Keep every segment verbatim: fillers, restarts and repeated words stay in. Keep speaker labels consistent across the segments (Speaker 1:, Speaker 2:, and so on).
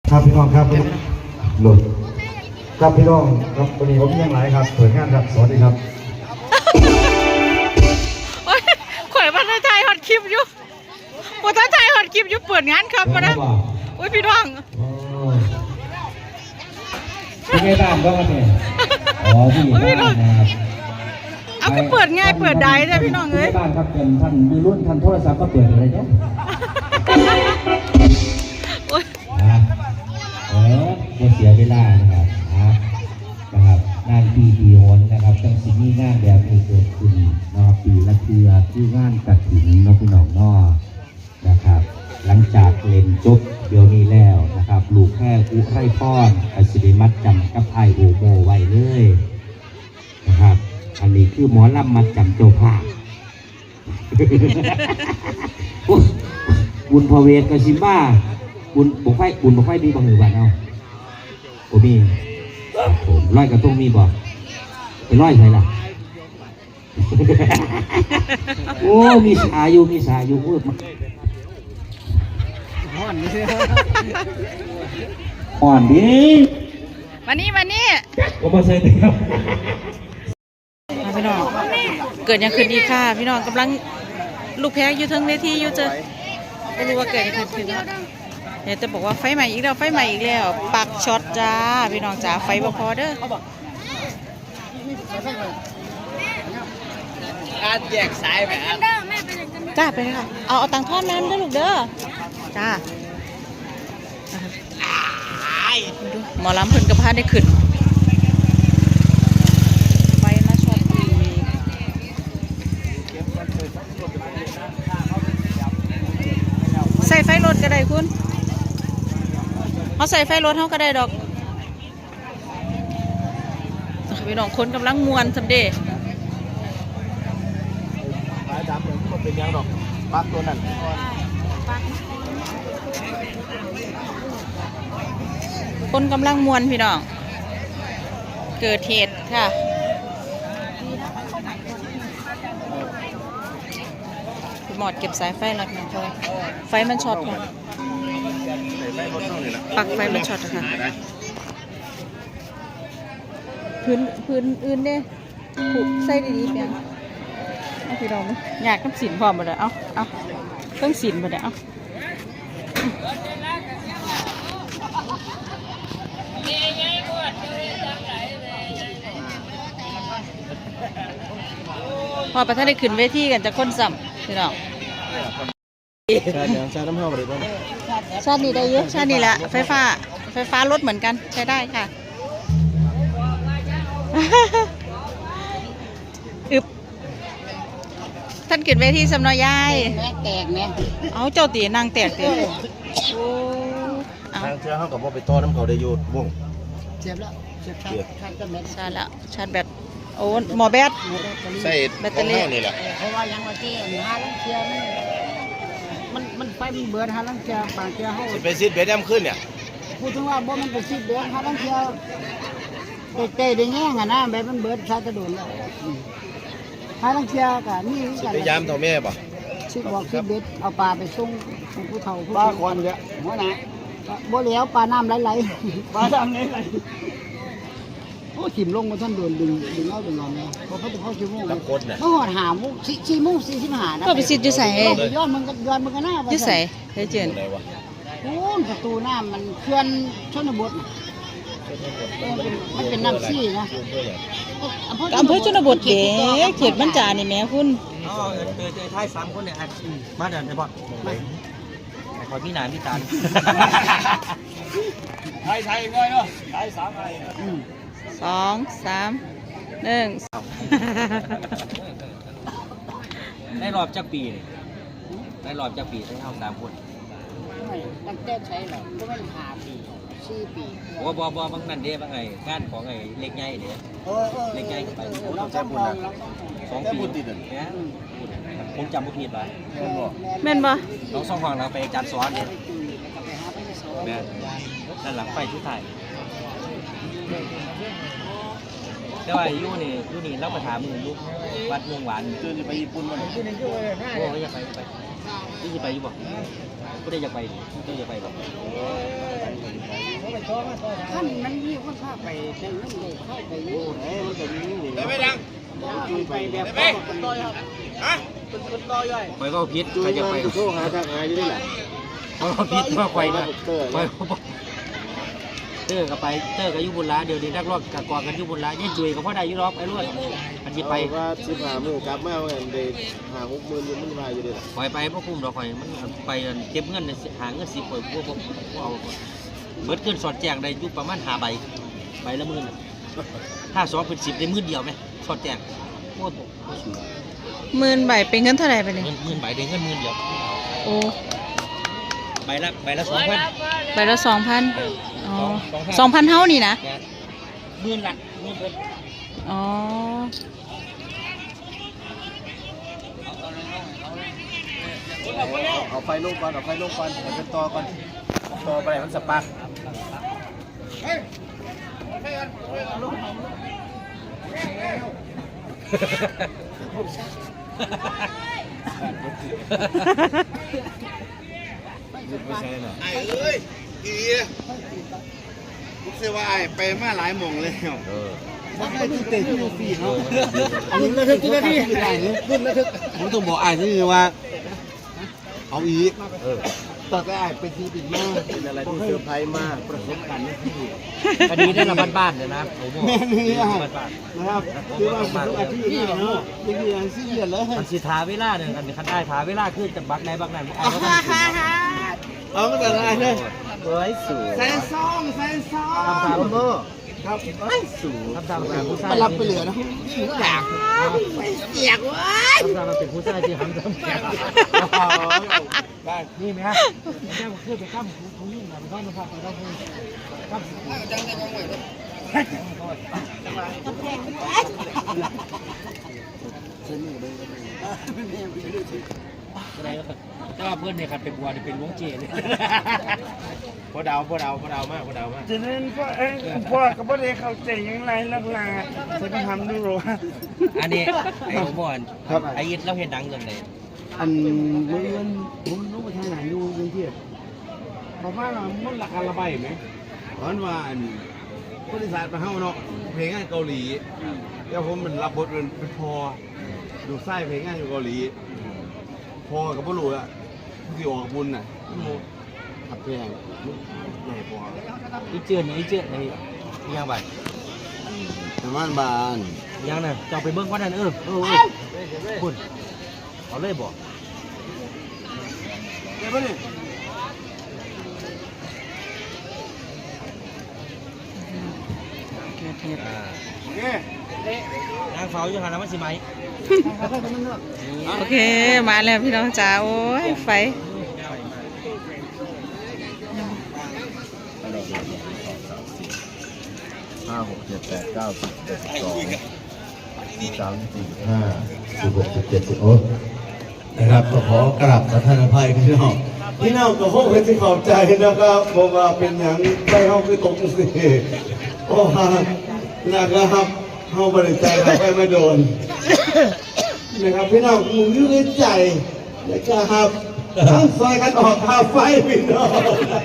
Speaker 1: ครับพี่น้องครับหลุดครับพี่น้องครับวันนี้ผมยังไงครับเปิดงานครับสวัสดีครับ
Speaker 2: ข่อยมาถ่ายฮอตคลิปอยู่มาถ่ายฮอตคลิปอยู่เปิดงานครับมานะอุ้ยพี่น้อง
Speaker 1: เป็นไงบ้างก็เนี่ยอ๋อพี่บ้านนะครับ
Speaker 2: เอาก็เปิดง่ายเปิดได้เลยพี่น้องเอ้ย
Speaker 1: บ้านครับเป็นท่านมีรุ่นท่านโทรศัพท์ก็เปิดอะไรเนี่ยเออก็เสียเวลานะครับนะครับงานปีปีโหนนะครับจังสิมีงานแบบนี้เกิดขึ้นนะครับปีละเทือที่งานกฐินน้องพี่น้องนอนะครับหลังจากเล่นจบเดี๋ยวนี้แล้วนะครับลูกแค่อุไรพรอัศริมัดจำกับไอโอโมไว้เลยนะครับอันนี้คือหมอลำมัดจำเจ้าภาพบุญพเวทกสิบ้าบุญบุกไฟบุญบุกไฟมีบังหรือบ้านเอาโอ้มีผมร้อยกระตุ้งมีบ่ไปร้อยใครล่ะโอ้มีสาอยู่มีสาอยู่เอออ่อนดิอ่อนดิ
Speaker 2: มานี่มานี่
Speaker 1: ก็มาใส่เต็ม
Speaker 2: พี่น้องเกิดยังคืนดีค่ะพี่น้องกำลังลูกแพ้อยู่ทั้งเวทีอยู่เจอไม่รู้ว่าเกิดยังคืนคืนเดี๋ยวจะบอกว่าไฟใหม่อีกแล้วไฟใหม่อีกแล้วปักช็อตจ้าพี่น้องจ้าไฟบ่พอเด้อ
Speaker 3: การแยกสายแบบ
Speaker 2: จ้าไปเลยค่ะเอาเอาตังทอดน้ำด้วยลูกเด้อจ้าดูหมอลำเพิ่นกระพาได้ขึ้นไฟมาช็อตอีกใส่ไฟรถก็ได้คุณเขาใส่ไฟรถเขาก็ได้ดอกพี่น้องคนกำลังมวนสำเด็จ
Speaker 3: สายดำเหมือนมันเป็นยังดอกปักตัวนั้น
Speaker 2: คนกำลังมวนพี่น้องเกิดเหตุค่ะหมอดเก็บสายไฟแล้วนะพอไฟมันช็อตค่ะปักไฟมันช็อตค่ะพื้นพื้นอื่นเด้ผูกใส่ดีๆเพียงเอาพี่น้องอยากน้ำสินพร้อมหมดเลยเอาเอาเครื่องสินหมดเลยเอาพอประธานได้ขึ้นเวทีกันจะค้นซ้ำพี่น้อง
Speaker 3: ชาน้ำหอมอะไรบ้าง
Speaker 2: ชาตินี้ได้เยอะชาตินี้แหละไฟฟ้าไฟฟ้ารถเหมือนกันใช้ได้ค่ะอึบท่านขึ้นเวทีสำนอยยาย
Speaker 4: แตกแม่
Speaker 2: เอาเจ้าตีนางแตกเตียโอ้
Speaker 3: ทางเชื่อเขากับว่าไปต้อน้ำเขาได้ยูดวง
Speaker 4: เจ็บแล้วเจ็บชาร์จแบต
Speaker 2: ชาร์จแล้วชาร์จแบตโอ้หมอแบต
Speaker 3: ใส่แบตเตอรี่นี่แหละ
Speaker 4: เพราะว่ายังว่าที่หาลังเชียมันมันไฟมันเบิดหาลังเชียบางเชียเขา
Speaker 3: ไปซีดเบสแอมขึ้นเนี่ย
Speaker 4: พูดถึงว่าบ่มันไปซีดเบิดหาลังเชียเตะได้แง่งอ่ะนะแบบมันเบิดชาร์จจะโดนแล้วหาลังเชียกับนี่
Speaker 3: กันพยายามเท่าแม่ป่ะ
Speaker 4: ชิดบอกซีดเบิดเอาปลาไปส่งผู้เฒ่า
Speaker 3: ปลาควันเนี่ย
Speaker 4: หัวหน้าบ่เหลียวปลาน้ำไหลๆปลาน้ำไหลๆโอ้ถิ่มลงมาท่านโดนดึงดึงเอาดึงเอาไงพอเขาจะเข้าชิวโมง
Speaker 3: แล้วคนเนี่ย
Speaker 4: เมื่อหอดหามุกสี่สี่มุกสี่สิบห้านะ
Speaker 2: ก็ไปซิดอยู่ใส่
Speaker 4: ย้อนมันก็ย้อนมันก็หน้า
Speaker 2: อยู่ใส่เฮ้ยเจน
Speaker 4: โอ้ประตูน้ำมันเขื่อนชนบทมันเป็นน้ำซี่นะ
Speaker 2: อำเภอชนบทเด็กเขตบรรจานี่แม่คุณ
Speaker 3: อ๋อเจอเจอท้ายสามคนเนี่ยมาเดินไปบ่คอยพี่นายพี่ตาลไทยไทยง่อยเนาะไทยสามไทย
Speaker 2: สองสามหนึ่ง
Speaker 3: ได้รอบจักปีเลยได้รอบจักปีได้เท่าสามคน
Speaker 4: ตั้งแต่ใช้หรอก็ไม่ห้าปีสี่ปี
Speaker 3: ว่าบ่บ่บางนั่นเด้บางไงงานของไอ้เล็กใหญ่เด้เล็กใหญ่ไปเราใช้บุญนะสองปีเนี่ยผมจำไม่ผิดเลย
Speaker 2: แม่นบ่
Speaker 3: น้องสองฝั่งเราไปจัดซ้อนเนี่ยแม่ด้านหลังไฟชุดไทยแต่ว่ายู่นี่ยู่นี่เราไปถามมึงลูกวัดเมืองหวานคือจะไปญี่ปุ่นมั้ยโอ้ยอยากไปไปที่จะไปอยู่บ่ก็ได้อยากไปก็อยากไปบ่
Speaker 4: ขั้นมันมีคนพาไปแต่เงินเลยเข้าไปอยู่ไหนมันจะมีนี่ได้ไหมดังไปแบบเป็นต่อยครับฮะเป็นต่อยไปก็พิษใครจะไปโชว์หาทางหายอยู่นี่แหละเพราะพิษมาไปนะไปเตอร์กับไปเตอร์กับยุบุญละเดี๋ยวนี้นักรบกับกองกันยุบุญละยิ่งจุยกับพ่อได้ยุรอบไอ้รวดมันจะไปว่าสิบห้าหมื่นกลับมาเงินเดือนหาหกหมื่นมันมาอยู่ดีละปล่อยไปพวกคุ้มเราปล่อยมันไปเก็บเงินหาเงินสิบปล่อยพวกพวกเอาเบิดเกินสอดแจงได้ยุประมาณหาใบใบละหมื่นถ้าสองเป็นสิบได้หมื่นเดียวไหมสอดแจงโคตร
Speaker 2: หมื่นใบเป็นเงินเท่าไหร่ไปเลย
Speaker 3: หมื่นใบได้เงินหมื่นเดียว
Speaker 2: โอ้
Speaker 3: ใบละใบละสองพัน
Speaker 2: ใบละสองพันอ๋อสองพันเท่านี่นะ
Speaker 3: หมื่นละหมื่นเป็น
Speaker 2: อ๋อ
Speaker 3: เอาไฟลงก่อนเอาไฟลงก่อนเอาเป็นตอก่อนตอไปมันสปาร์ไม่ใช่หรอไอ้เอ้ยอีลูกเสือว่าไอ้ไปมาหลายโมงเลยเออมันไม่ตื่นเต้นที่ดูฟีเนาะอันนี้ระทึกที่นี่รุ่นระทึกผมต้องบอกไอ้ที่ว่าเอาอีกต่อไปไอ้เป็นทีบินมากเป็นอะไรที่เซอร์ไพรส์มากประสบการณ์ที่ดีอันนี้ได้ระบาดบ้านเลยนะผมบอกแม่นี่นะครับคือว่าเป็นอาชีพนี่เนาะยังมีอาชีพเยอะเลยมันสีทาเวลาเนี่ยกันคันได้ทาเวลาขึ้นจะบักไหนบักไหนไอ้ก็ต้องเอาก็แต่อะไรเนี่ยเฮ้ยสูงแซนซองแซนซองทำตามโม่ครับเฮ้ยสูงทำตามเป็นผู้ชายรับไปเหลือนะอยากอยากว้ายทำตามมันเป็นผู้ชายที่ทำตามแก่ได้นี่ไหมฮะแม่ขึ้นไปข้ามคุ้งยิ่งนะไปข้ามมาพักไปข้ามคุ้งข้ามจังได้กองไหวเลยแต่ว่าเพื่อนเนี่ยครับเป็นบัวเนี่ยเป็นล้วงเจเลยพอดาวพอดาวพอดาวมากพอดาวมาก
Speaker 5: ฉะนั้นพ่อเอ้พ่อกับพ่อเด็กเข้าใจยังไงลักลาจะไปทำดูหรอ
Speaker 3: อันนี้ไอ้ผมบอกไอ้ยิดเราเห็นดังเรื่องไหน
Speaker 5: อันเมื่อผมรู้ว่าทางไหนอยู่กรุงเทพบอกว่ามันราคาระบายไหม
Speaker 6: เพราะว่าบริษัทมาเฮ้าเนาะเพลงงานเกาหลีแล้วผมมันรับบทเป็นพอดูไส้เพลงงานอยู่เกาหลีพอกับพ่อหลวงอ่ะที่ออกบุญน่ะขับเพลงใหญ่พอ
Speaker 3: อีเจือนอีเจือนในยังไง
Speaker 6: แต่บ้านบ้าน
Speaker 3: ยังน่ะจะไปเบิ้งว่านั่นเออเออคุณเอาเลยบอก
Speaker 6: เดี๋ยวไปเลย
Speaker 3: โอเคนางเฝ้าอยู่หาน้ำมันสิไหม
Speaker 2: โอเคมาแล้วพี่น้องจ๋าโอ้ยไฟ
Speaker 6: ห้าหกเจ็ดแปดเก้าสิบเจ็ดสิบสองสิบสามสี่ห้าสิบหกสิบเจ็ดสิบโอ้นะครับก็ขอกราบประทานอภัยพี่น้องพี่น้องก็คงเป็นที่ขอบใจนะครับเพราะว่าเป็นอย่างไปห้องคือตกสิโอ้ฮะนะครับห้องบริจาคไปไม่โดนนะครับพี่น้องมึงยืดใจนะครับทั้งไฟกันออกทาไฟพี่น้อง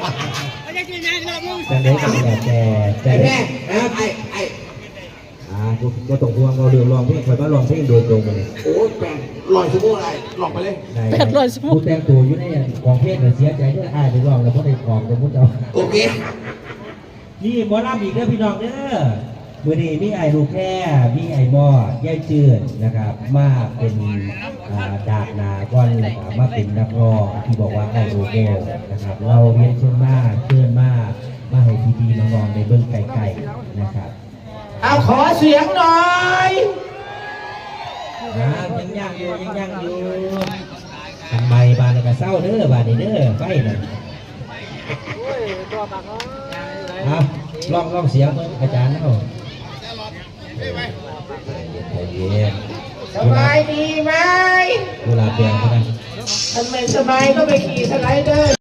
Speaker 1: จะได้กันแบบแต่แต่แม่ไอ้ไอ้อ่าก็ต้องห่วงเราเดือดร้อนพี่คอยมาลองเพลงโดยตรงเลย
Speaker 6: โอ้แปลงลอยสมุนอะไรหลอกไปเลย
Speaker 2: แปดลอยสมุน
Speaker 1: ผู้แต่งตัวอยู่ในกองเพลงเสียใจเด้ออ้ายไปลองแล้วเพราะในกองจะมุดเอา
Speaker 6: โอเค
Speaker 1: นี่หมอลำอีกเด้อพี่น้องเด้อเมื่อนี้มีไอ้ลูกแค่มีไอ้บอดย่ายเจือนนะครับมาเป็นดาบนาก้อนนะครับมาเป็นนักร้องที่บอกว่าไอ้โรโก้นะครับเราเรียนเชิญมากเชิญมากมาให้พี่ๆน้องๆในเบื้องไกลๆนะครับ
Speaker 5: เอาขอเสียงหน่อย
Speaker 1: นะยังยังอยู่ยังยังอยู่ทำไมบานกระเซ้าเด้อบานนี้เด้อไฟน่ะครับลองลองเสียงอาจารย์เนาะ
Speaker 5: สบายดีไหม
Speaker 1: เวลาเปลี่ยนกัน
Speaker 5: ทำไมสบายก็ไปขี่สไลเดอร์